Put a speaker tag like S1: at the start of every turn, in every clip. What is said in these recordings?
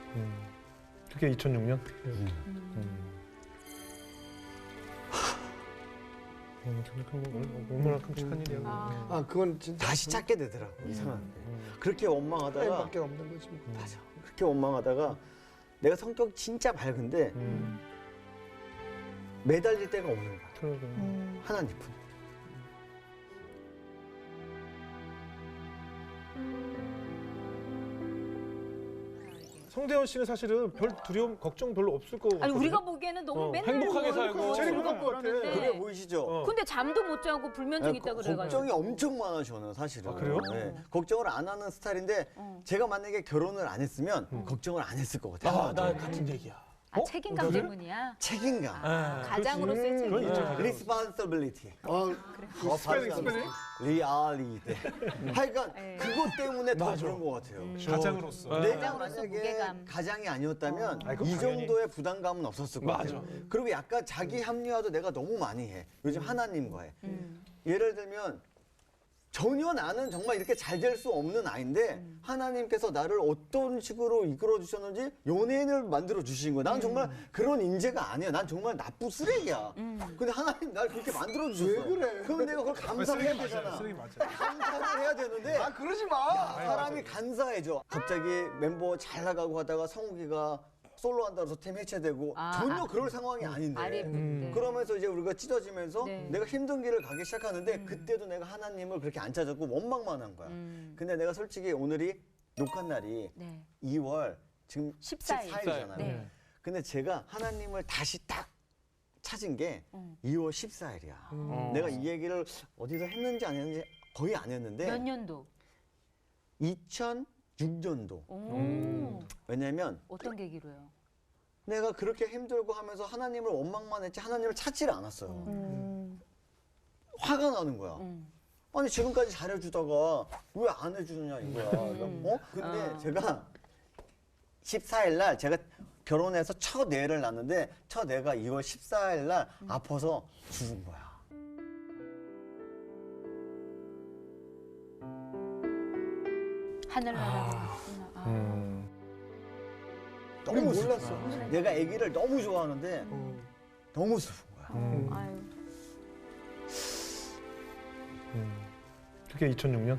S1: 그게 2006년? 얼마나 끔찍한 일이야.
S2: 아, 그건 진짜
S3: 다시 찾게 되더라고. 이상한데. 그렇게 원망하다가
S2: 밖에 없는 거지. 뭐.
S3: 맞아. 그렇게 원망하다가 내가 성격이 진짜 밝은데 매달릴 데가 없는 거야.
S1: 그러게.
S3: 하나님 품.
S1: 성대현 씨는 사실은 별 두려움, 걱정 별로 없을 거고.
S4: 아니 우리가 보기에는 너무 맨날
S1: 행복하게 살고.
S3: 제일
S4: 그러고
S3: 행복한 것 같아.
S4: 그러는데.
S3: 그래 보이시죠?
S4: 근데 잠도 못 자고 불면증 있다 그래가지고.
S3: 걱정이 엄청 많아 저는 사실은.
S1: 아, 그래요?
S3: 네. 걱정을 안 하는 스타일인데 제가 만약에 결혼을 안 했으면 걱정을 안 했을 것 같아요.
S2: 아, 나 같은 얘기야.
S4: 아 책임감 때문이야.
S3: 책임감.
S4: 가장으로서의 책임감.
S3: responsibility.
S2: 스펠링.
S3: reality. 하여간
S4: 네.
S3: 그것 때문에 더 그런 것 같아요.
S1: 가장으로서.
S3: 내가
S4: 가장으로서
S3: 만약에
S4: 무게감.
S3: 가장이 아니었다면
S1: 아이, 그건
S3: 이
S1: 당연히.
S3: 정도의 부담감은 없었을 것 같아요. 그리고 약간 자기 합리화도 내가 너무 많이 해. 요즘 하나님과 해. 예를 들면 전혀 나는 정말 이렇게 잘 될 수 없는 아이인데 하나님께서 나를 어떤 식으로 이끌어 주셨는지 연예인을 만들어 주신 거야. 난 정말 그런 인재가 아니야. 난 정말 나쁜 쓰레기야. 근데 하나님 날 그렇게 만들어 주셨어.
S2: 왜 그래?
S3: 그럼 내가 그걸 감사해야 되잖아.
S1: 쓰레기 맞아요.
S3: 감사를 해야 되는데
S2: 아, 그러지 마.
S3: 사람이 간사해져. 갑자기 멤버 잘 나가고 하다가 성욱이가 솔로 한다고 해서 팀 해체되고 전혀 그럴 상황이 아닌데.
S4: 아랫분인데.
S3: 그러면서 이제 우리가 찢어지면서
S4: 네.
S3: 내가 힘든 길을 가기 시작하는데 그때도 내가 하나님을 그렇게 안 찾았고 원망만 한 거야. 근데 내가 솔직히 오늘이 녹화 날이
S4: 네.
S3: 2월 지금
S4: 14일.
S3: 14일이잖아요.
S4: 네.
S3: 근데 제가 하나님을 다시 딱 찾은 게 2월 14일이야. 내가 이 얘기를 어디서 했는지 안 했는지 거의 안 했는데
S4: 몇 년도?
S3: 2006년도.
S4: 오.
S3: 왜냐면
S4: 어떤 계기로요?
S3: 내가 그렇게 힘들고 하면서 하나님을 원망만 했지 하나님을 찾지를 않았어요. 화가 나는 거야. 아니 지금까지 잘해주다가 왜 안 해주느냐 이거야. 근데 제가 14일 날 제가 결혼해서 첫 애를 낳는데 첫 애가 2월 14일 날 아파서 죽은 거야.
S4: 하늘나라.
S3: 너무 몰랐어. 내가 아기를 너무 좋아하는데 너무 슬픈 거야.
S4: 아유.
S1: 그게 2006년?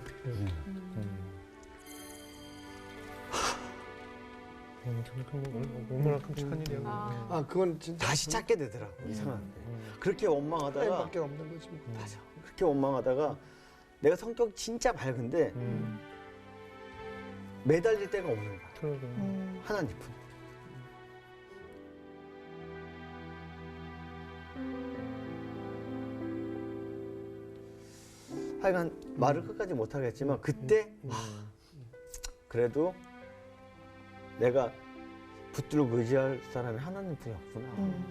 S1: 얼마나 끔찍한 일이야.
S2: 아, 그건 진짜
S3: 다시 찾게 되더라고. 이상한데. 그렇게 원망하다가
S2: 밖에 없는 거지. 뭐.
S3: 맞아. 그렇게 원망하다가 내가 성격이 진짜 밝은데 매달릴 데가 없는 거야.
S1: 그러게.
S3: 하나님 품. 하여간 말을 끝까지 못 하겠지만 그때 그래도 내가 붙들고 의지할 사람이 하나님 분이 없구나.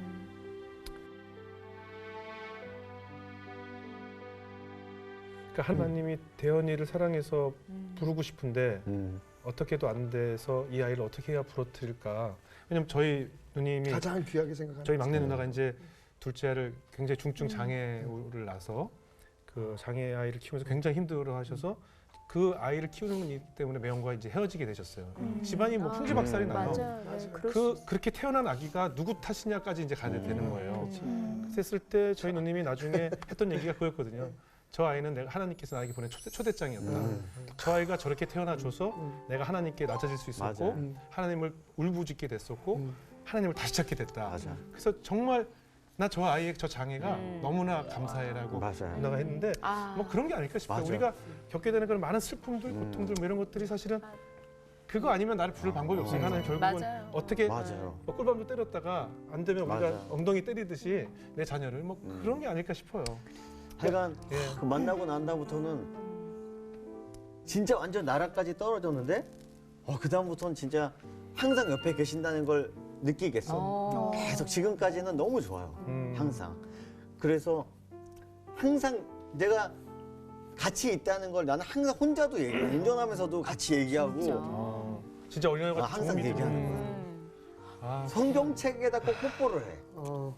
S1: 그러니까 하나님이 대현이를 사랑해서 부르고 싶은데 어떻게도 안 돼서 이 아이를 어떻게 해야 부러뜨릴까. 왜냐면 저희 누님이
S2: 가장 귀하게 생각하는
S1: 저희 막내 누나가 이제 둘째 아이를 굉장히 중증 장애를 낳아서 그 장애 아이를 키우면서 굉장히 힘들어하셔서 그 아이를 키우는 일 때문에 매형과 이제 헤어지게 되셨어요. 집안이 뭐 풍지박살이 나요.
S4: 맞아요.
S1: 그렇게 태어난 아기가 누구 탓이냐까지 이제 가게 되는 거예요. 그랬을 때 저희 누님이 나중에 했던 얘기가 그거였거든요. 저 아이는 내가 하나님께서 나에게 보낸 초대장이었다. 저 아이가 저렇게 태어나줘서 내가 하나님께 낮아질 수 있었고 하나님을 울부짖게 됐었고 하나님을 다시 찾게 됐다.
S3: 맞아.
S1: 그래서 정말 나 저 아이의 저 장애가 너무나 감사해라고
S3: 맞아요.
S1: 누나가 했는데 뭐 그런 게 아닐까 싶어요.
S3: 맞아.
S1: 우리가 겪게 되는 그런 많은 슬픔들, 고통들 뭐 이런 것들이 사실은 그거 아니면 나를 부를 방법이 없으니까 하나님 결국은
S4: 맞아요.
S1: 어떻게
S3: 맞아요.
S1: 뭐 꿀밤도 때렸다가 안 되면 우리가
S3: 맞아.
S1: 엉덩이 때리듯이 내 자녀를 뭐 그런 게 아닐까 싶어요.
S3: 하여간
S1: 예.
S3: 그 만나고 난 다음부터는 진짜 완전 나라까지 떨어졌는데 그 다음부터는 진짜 항상 옆에 계신다는 걸 느끼겠어. 계속 지금까지는 너무 좋아요. 항상. 그래서 항상 내가 같이 있다는 걸 나는 항상 혼자도 얘기해. 운전하면서도 같이 얘기하고
S1: 진짜 어린아이가
S3: 항상
S1: 도움이
S3: 얘기하는
S1: 되는
S3: 거야.
S1: 아,
S3: 성경책에다 꼭 뽀뽀를 해.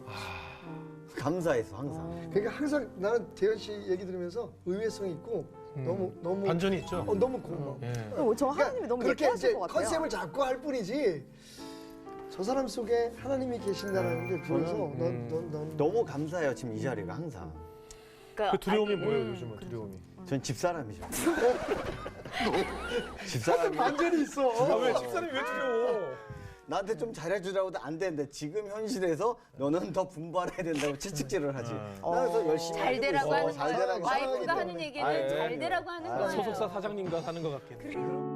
S3: 감사해서 항상.
S2: 그러니까 항상 나는 대현 씨 얘기 들으면서 의외성이 있고 너무
S1: 반전이 있죠.
S2: 너무 고마워.
S1: 예.
S5: 저 하나님이 너무
S2: 그렇게
S5: 예뻐하실
S2: 이제
S5: 것 같아요.
S2: 컨셉을 잡고 할 뿐이지 저 사람 속에 하나님이 계신다는 게 보여서 넌
S3: 너무 감사해요 지금 이 자리가 항상.
S4: 그러니까
S1: 그 두려움이
S4: 아니,
S1: 뭐예요 요즘은 두려움이?
S3: 전 집사람이죠. 집사람이
S2: 반전이 있어.
S1: 왜 집사람이 왜 두려워?
S3: 나한테 좀 잘해주라고도 안 되는데 지금 현실에서 너는 더 분발해야 된다고 채찍질을 하지. 나는 열심히
S4: 잘
S3: 하고
S4: 되라고
S3: 있어.
S4: 하는
S3: 잘
S4: 거예요.
S3: 되라고
S4: 와이프가
S3: 하기
S4: 하는
S3: 때문에.
S4: 얘기를
S3: 아유,
S4: 잘 되라고 하는 거예요.
S1: 소속사 사장님과 사는 것 같긴 해.